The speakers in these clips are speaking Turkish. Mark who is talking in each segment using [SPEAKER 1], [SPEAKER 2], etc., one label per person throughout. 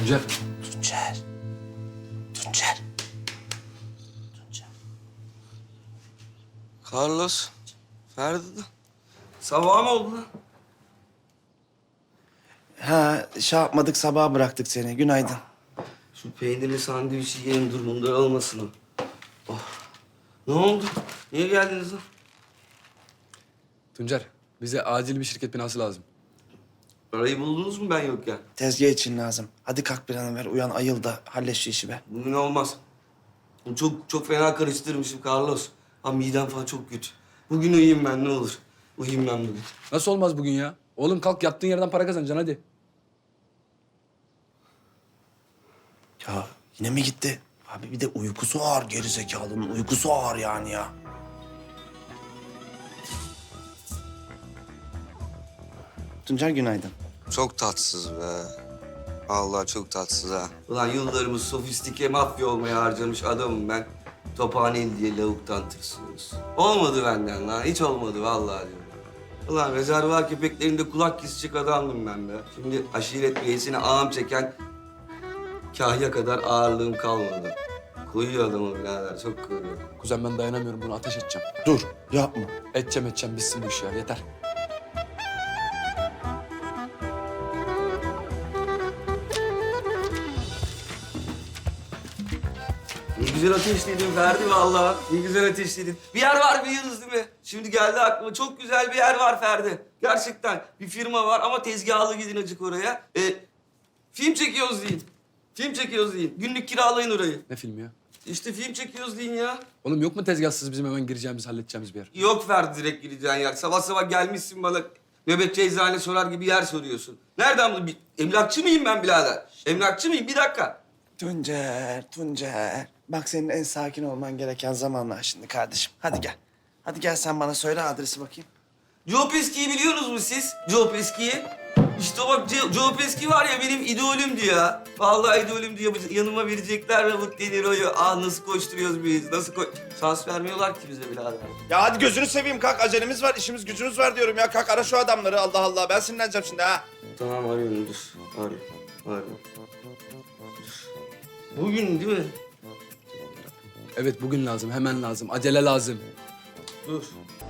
[SPEAKER 1] Tuncer.
[SPEAKER 2] Tuncer. Tuncer. Tuncer.
[SPEAKER 3] Carlos. Ferdi. Sabah mı oldu lan?
[SPEAKER 2] Ha, şey yapmadık, sabaha bıraktık seni. Günaydın.
[SPEAKER 3] Şu peynirli sandviçi yiyelim durumunda olmasın o. Oh. Ne oldu? Niye geldiniz lan?
[SPEAKER 1] Tuncer, bize acil bir şirket binası lazım.
[SPEAKER 3] Parayı buldunuz mu ben yokken?
[SPEAKER 2] Tezgah için lazım. Hadi kalk bir an evvel. Uyan, ayıl da hallet şu işi be.
[SPEAKER 3] Bugün olmaz. Çok fena karıştırmışım Carlos. Ha midem falan çok kötü. Bugün uyuyayım ben ne olur. Uyuyayım ben bugün.
[SPEAKER 1] Nasıl olmaz bugün ya? Oğlum kalk yattığın yerden para kazanacaksın hadi.
[SPEAKER 2] Ya yine mi gitti? Abi bir de uykusu ağır gerizekalının. Uykusu ağır yani ya. Tuncer günaydın.
[SPEAKER 3] Çok tatsız be. Allah çok tatsız ha. Ulan yıllarımı sofistike mafya olmaya harcamış adamım ben. Tophaneli diye lavuktan tırsıyoruz. Olmadı benden lan. Hiç olmadı vallahi diyorum. Ulan rezervuar köpeklerinde kulak kesecek adamdım ben be. Şimdi aşiret reisine ağam çeken kahya kadar ağırlığım kalmadı. Koyuyor adamı birader. Çok koyuyor.
[SPEAKER 1] Kuzen ben dayanamıyorum bunu ateş edeceğim.
[SPEAKER 2] Dur, yapma.
[SPEAKER 1] Edeceğim bitsin bu iş ya yeter.
[SPEAKER 3] Ne güzel ateşledin Ferdi vallahi. Ne güzel ateşledin. Bir yer var biliyorsunuz değil mi? Şimdi geldi aklıma. Çok güzel bir yer var Ferdi. Gerçekten bir firma var ama tezgahlı gidin acık oraya. Film çekiyoruz deyin. Film çekiyoruz deyin. Günlük kiralayın orayı.
[SPEAKER 1] Ne filmi ya?
[SPEAKER 3] İşte film çekiyoruz deyin ya.
[SPEAKER 1] Oğlum yok mu tezgahsız bizim hemen gireceğimiz, halledeceğimiz bir yer?
[SPEAKER 3] Yok Ferdi direkt gideceğin yer. Sabah sabah gelmişsin bana nöbetçi eczane sorar gibi yer soruyorsun. Nereden bu? Emlakçı mıyım ben birader? Emlakçı mıyım? Bir dakika.
[SPEAKER 2] Tuncer. Bak senin en sakin olman gereken zamanlar şimdi kardeşim. Hadi gel. Hadi gel sen bana söyle adresi bakayım.
[SPEAKER 3] Joe Pesci'yi biliyorsunuz mu siz? Joe Pesci'yi. İşte bak Joe Pesci var ya benim idolümdü ya. Vallahi idolümdü ya. Yanıma verecekler Robert De Niro'yu. Nasıl koşturuyoruz biz? Şans vermiyorlar ki bize birader.
[SPEAKER 2] Ya hadi gözünü seveyim kalk. Acelemiz var, işimiz gücümüz var diyorum ya. Kalk ara şu adamları Allah Allah. Ben sinirleneceğim şimdi ha.
[SPEAKER 3] Tamam arıyorum dur. Arıyorum. Bugün değil mi?
[SPEAKER 1] Evet bugün lazım, hemen lazım, acele lazım.
[SPEAKER 3] Dur.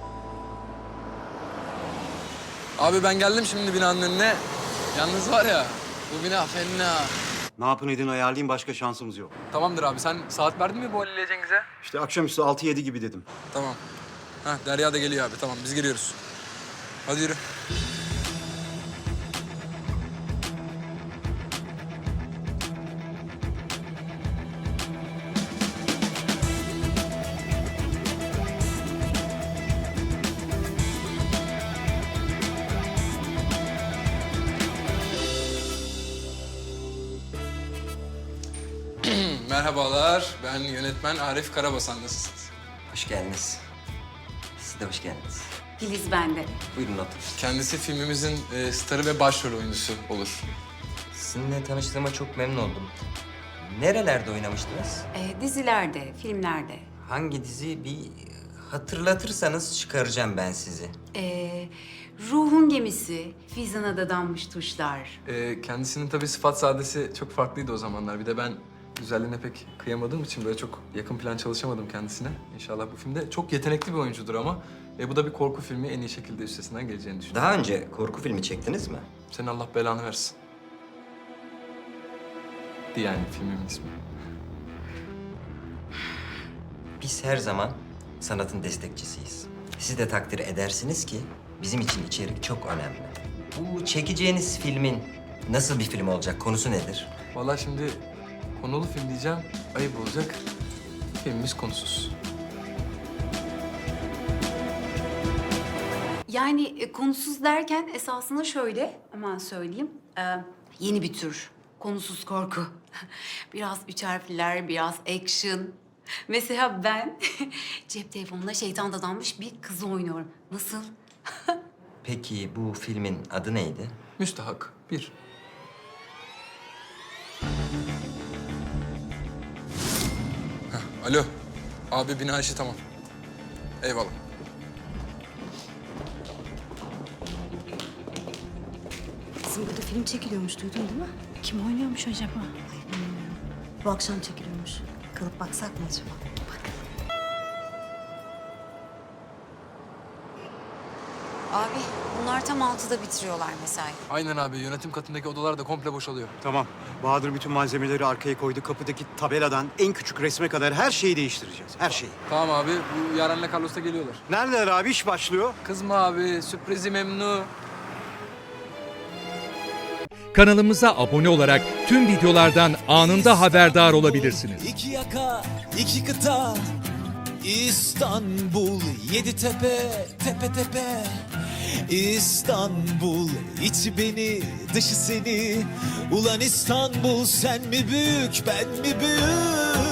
[SPEAKER 1] Abi ben geldim şimdi binanın önüne. Yalnız var ya, bu bina fena.
[SPEAKER 4] Ne yapın edin ayarlayayım, başka şansımız yok.
[SPEAKER 1] Tamamdır abi, sen saat verdin mi bu Halil'e Cengiz'e?
[SPEAKER 4] İşte akşamüstü 6-7 gibi dedim.
[SPEAKER 1] Tamam. Hah, Derya da geliyor abi, tamam biz giriyoruz. Hadi yürü. Merhabalar, ben yönetmen Arif Karabasan. Nasılsınız?
[SPEAKER 5] Hoş geldiniz. Siz de hoş geldiniz.
[SPEAKER 6] Filiz bende.
[SPEAKER 5] Buyurun oturun.
[SPEAKER 1] Kendisi filmimizin starı ve başrol oyuncusu olur.
[SPEAKER 5] Sizinle tanıştığıma çok memnun oldum. Nerelerde oynamıştınız?
[SPEAKER 6] Dizilerde, filmlerde.
[SPEAKER 5] Hangi dizi? Bir hatırlatırsanız çıkaracağım ben sizi.
[SPEAKER 6] Ruhun Gemisi, Fizan'a dadanmış tuşlar.
[SPEAKER 1] Kendisinin tabii sıfat sadesi çok farklıydı o zamanlar. Bir de ben güzelliğine pek kıyamadığım için böyle çok yakın plan çalışamadım kendisine. İnşallah bu filmde çok yetenekli bir oyuncudur ama bu da bir korku filmi, en iyi şekilde üstesinden geleceğini düşünüyorum.
[SPEAKER 5] Daha önce korku filmi çektiniz mi?
[SPEAKER 1] Senin Allah belanı versin. Yani filmimin ismi.
[SPEAKER 5] Biz her zaman sanatın destekçisiyiz. Siz de takdir edersiniz ki bizim için içerik çok önemli. Bu çekeceğiniz filmin nasıl bir film olacak? Konusu nedir?
[SPEAKER 1] Vallahi şimdi konulu film diyeceğim, ayıp olacak. Filmimiz konusuz.
[SPEAKER 6] Yani konusuz derken esasında şöyle, hemen söyleyeyim. Yeni bir tür, konusuz korku. Biraz üç harfler, biraz action. Mesela ben cep telefonuna şeytan dadanmış bir kızı oynuyorum. Nasıl?
[SPEAKER 5] Peki bu filmin adı neydi?
[SPEAKER 1] Müstahak. 1. Alo. Abi bina işi tamam. Eyvallah.
[SPEAKER 7] Kızım burada film çekiliyormuş, duydun değil mi? Kim oynuyormuş acaba?
[SPEAKER 8] Bu akşam çekiliyormuş. Kalıp baksak mı acaba?
[SPEAKER 6] Abi bunlar tam 6'da bitiriyorlar mesai.
[SPEAKER 1] Aynen abi. Yönetim katındaki odalar da komple boşalıyor.
[SPEAKER 4] Tamam. Bahadır bütün malzemeleri arkaya koydu. Kapıdaki tabeladan en küçük resme kadar her şeyi değiştireceğiz. Her şeyi.
[SPEAKER 1] Tamam abi. Bu Yaren'le Carlos da geliyorlar.
[SPEAKER 4] Neredeler abi? İş başlıyor.
[SPEAKER 1] Kızma abi. Sürprizi memnun.
[SPEAKER 9] Kanalımıza abone olarak tüm videolardan anında haberdar olabilirsiniz.
[SPEAKER 10] İki yaka, iki kıta, İstanbul, yedi tepe, tepe tepe. İstanbul, içi beni, dışı seni. Ulan İstanbul, sen mi büyük, ben mi büyük?